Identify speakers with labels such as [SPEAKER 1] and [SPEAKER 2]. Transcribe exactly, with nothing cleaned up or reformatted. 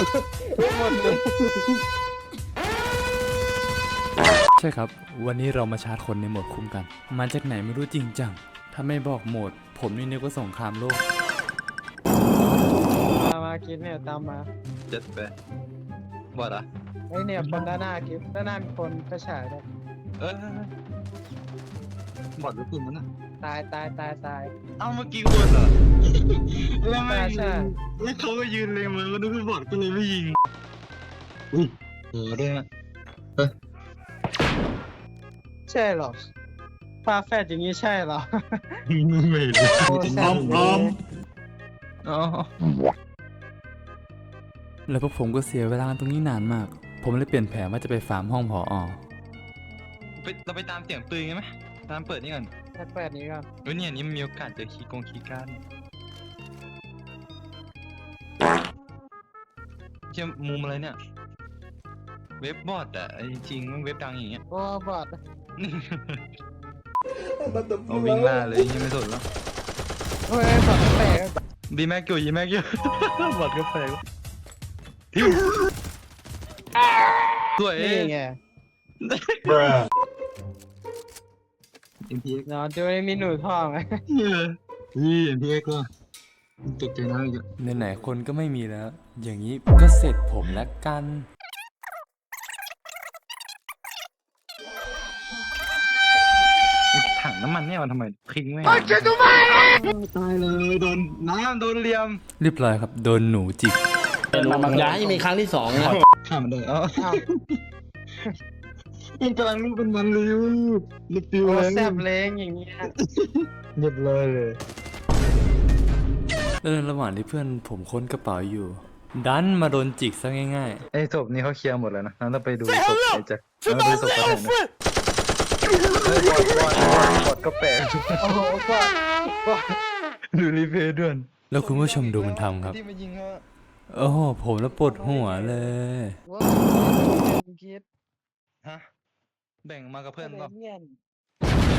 [SPEAKER 1] หมดเลย
[SPEAKER 2] ใช่ครับวันนี้เรามาชาร์จคนในโหมดคุ้มกันมาจากไหนไม่รู้จริงจังถ้าไม่บอกโหมดผมนี่นึกว่าสงครามโลก
[SPEAKER 1] มามากินเนี่ยตามมา
[SPEAKER 3] เจ็ดไปบอดอ่ะ
[SPEAKER 1] ไอเนี่ยคนด้านหน้ากิฟด้านหน้ามีคนกระฉายด้วย
[SPEAKER 3] เออบอดหรือปืนมันอ่ะ
[SPEAKER 1] ตายตายตายตาย
[SPEAKER 3] เอ้าเมื่อกี้คนเหรอแล้วไม่
[SPEAKER 1] ใช่
[SPEAKER 3] แล้วเขาก็ยืนเลยมือก็นึกว่าบอดก็เลยไม่ยิงอุ้ยโหด้วยนะ
[SPEAKER 1] ใช่หรอฟ้าแฝดอย่างนี้ใช่หรอ
[SPEAKER 3] ไม่เลย
[SPEAKER 1] โอ้แซ่บเลย
[SPEAKER 3] อ๋อ
[SPEAKER 2] แล้วพวกผมก็เสียเวลาตรงนี้นานมาก ผมเลยเปลี่ยนแผนว่าจะไปฟาร์มห้องผออ
[SPEAKER 3] ไปเราไปตามเสียงปืนกันไหมตามเปิดนี่ก่อน
[SPEAKER 1] แฝดนี้ก่อน
[SPEAKER 3] เฮ้ยเนี่ยนี่มันมีโอกาสเจอคีย์กงคีย์การ์ดเชื่อมุมอะไรเนี่ย เว็บบอดอ่ะจริงๆมันเว็บดังอย่างเงี้ย
[SPEAKER 1] โอ้บอด
[SPEAKER 3] เอาวิ่งล่าเลยยังไม่สนแล้ว
[SPEAKER 1] เฮ้ยบอดแปลก
[SPEAKER 3] ดีแม็กอยู่ยีแม็กอยู่ บอดก็แปลกทิวสวย
[SPEAKER 1] นี่ไง
[SPEAKER 3] เอ็มพีเอ็กซ์
[SPEAKER 1] เนาะดูมีหนูทองไหม
[SPEAKER 3] นี่เอ็มพีเอ็กซ์ก็ตกใจนะอีก
[SPEAKER 2] ไหนๆคนก็ไม่มีแล้ว อย่างนี้ก็เสร็จผมแล้วกัน
[SPEAKER 3] ถังน้ำมันเนี่ยมันทำไมทิ้งไว้ตายเลยโดนน้ำโดนเหลี่ยม
[SPEAKER 2] เรียบร้อยครับโดนหนูจิก
[SPEAKER 4] อย่าให้มีครั้งที่สองนะ
[SPEAKER 3] ข้ามมันได้เอ้า
[SPEAKER 1] อ้าว
[SPEAKER 3] มันกำลังรูปเป็นมันเลยลูกปิว
[SPEAKER 1] โอ้
[SPEAKER 3] เลย
[SPEAKER 1] แซ่บเล้งอย่างเงี้ย
[SPEAKER 3] เรียบร้อยเลย
[SPEAKER 2] แล้วในระหว่างที่เพื่อนผมค้นกระเป๋าอยู่ ดันมาโดนจิกซะง่าย
[SPEAKER 3] ไอ้ศพนี้เขาเคลียร์หมดแล้วนะงั้นเราไปดูศพไอ้แจ็คเราไปดูศพกันนะเฮ้ยบอดบอดบอดบอดก็แปลก
[SPEAKER 1] โอ้โหบอดบอด
[SPEAKER 3] ดูรีเพย์ด้วย
[SPEAKER 2] ๆ แล้วคุณผู้ชมดูมันทำครับ
[SPEAKER 3] ที่มายิงเขาอะ
[SPEAKER 2] โอ้โหผมแล้วปวดหัวเลย
[SPEAKER 1] ว้าวคิด
[SPEAKER 3] ฮะแบ่งมากับเพื่อน
[SPEAKER 1] เพื่
[SPEAKER 3] เปล่า
[SPEAKER 1] อน